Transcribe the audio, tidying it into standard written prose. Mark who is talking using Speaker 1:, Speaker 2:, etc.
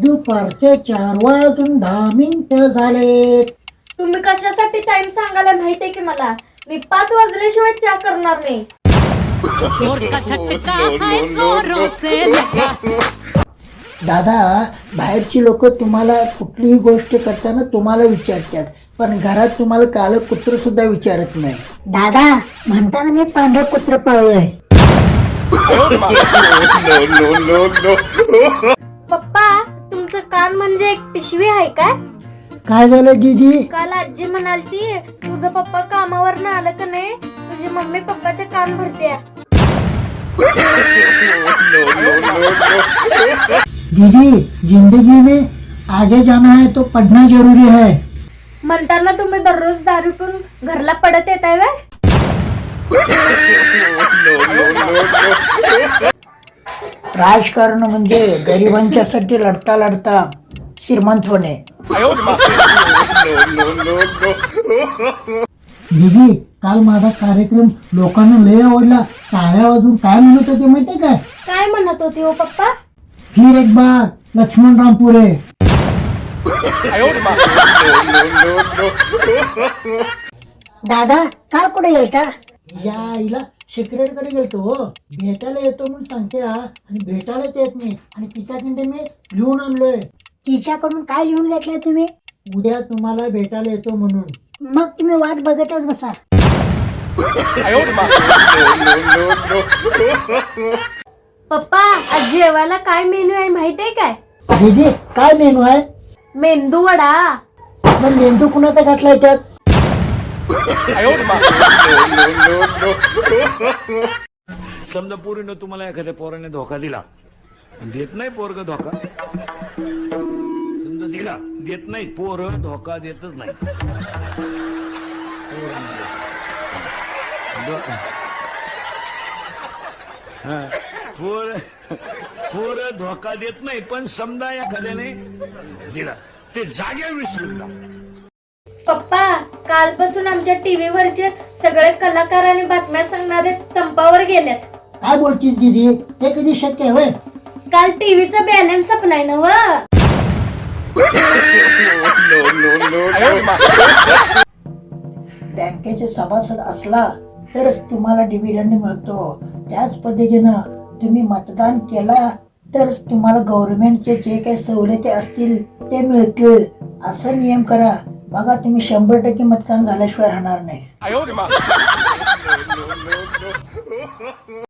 Speaker 1: दुपारचे 4:10 झाले.
Speaker 2: तुम्ही कशासाठी टाइम सांगायला माहितीये की मला. मी 5 वाजल्याशिवाय चहा करणार नाही.
Speaker 1: दादा, बाहेरची लोक तुम्हाला कुठलीही गोष्ट करताना तुम्हाला विचारतात, पण घरात तुम्हाला कालं कुत्र सुद्धा विचारत नाही. दादा, म्हणताना मी पांढरं कुत्र पाळलंय.
Speaker 2: पप्पा, तुमचं कान म्हणजे एक पिशवी आहे काय?
Speaker 1: काय झालं दीदी?
Speaker 2: काल आजी म्हणालती तुझं पप्पा कामावर आलं का नाही तुझी मम्मी पप्पाचे कान भरते.
Speaker 1: दीदी, जिंदगी में आगे जाना है तो पढ़ना जरूरी है.
Speaker 2: म्हणताना तुम्ही दररोज दारू पिऊन घरला पडत येताय व्हय?
Speaker 1: राजकारण म्हणजे गरिबांच्यासाठी लढता लढता श्रीमंत होणे. दीदी, काल माझा कार्यक्रम लोकांना लय आवडला. टाळ्या वाजून काय म्हणत होते माहितीये काय?
Speaker 2: काय म्हणत होती हो पप्पा?
Speaker 1: फिर एक बार लक्ष्मण रामपुरे. दादा, काल कुठे गेलता? या आईला सिक्रेट कडे गेलतो हो. भेटायला येतो म्हणून सांगते हा, आणि भेटायलाच येत नाही. आणि तिच्याकडे मी लिहून आणलोय. तिच्याकडून काय लिहून घेतलंय तुम्ही? उद्या तुम्हाला भेटायला येतो म्हणून. मग तुम्ही वाट बघतच बसा.
Speaker 2: पप्पा, आज जेवायला काय मेनू आहे माहितीये काय?
Speaker 1: दीदी, काय मेनू आहे?
Speaker 2: मेंदू वडा.
Speaker 1: पण मेंदू कुणाचा घातलाय त्यात?
Speaker 3: समजा पोरीनं तुम्हाला एखाद्या पोराने धोका दिला, देत नाही पोरग धोका. समजा दिला, देत नाही पोर धोका देतच नाही. पोर धोका देत नाही, पण समजा एखाद्याने दिला ते जाग्या विसरून जा.
Speaker 2: पप्पा, कालपासून आमच्या टीव्हीवरचे सगळे कलाकार आणि बातम्या सांगणारे संपावर गेलेत.
Speaker 1: काय बोलतीस दीदी? ते कधी शक्य आहे?
Speaker 2: काल टीव्हीचा बॅलन्स संपलाय ना व.
Speaker 1: बँकेचे सभासद असला तरच तुम्हाला डिव्हिडंड मिळतो. त्याच पद्धतीनं तुम्ही मतदान केला तरच तुम्हाला गव्हर्नमेंटचे जे काही सवलती असतील ते मिळतील. असा नियम करा. बघा, तुम्ही 100% मतदान झाल्याशिवाय राहणार नाही.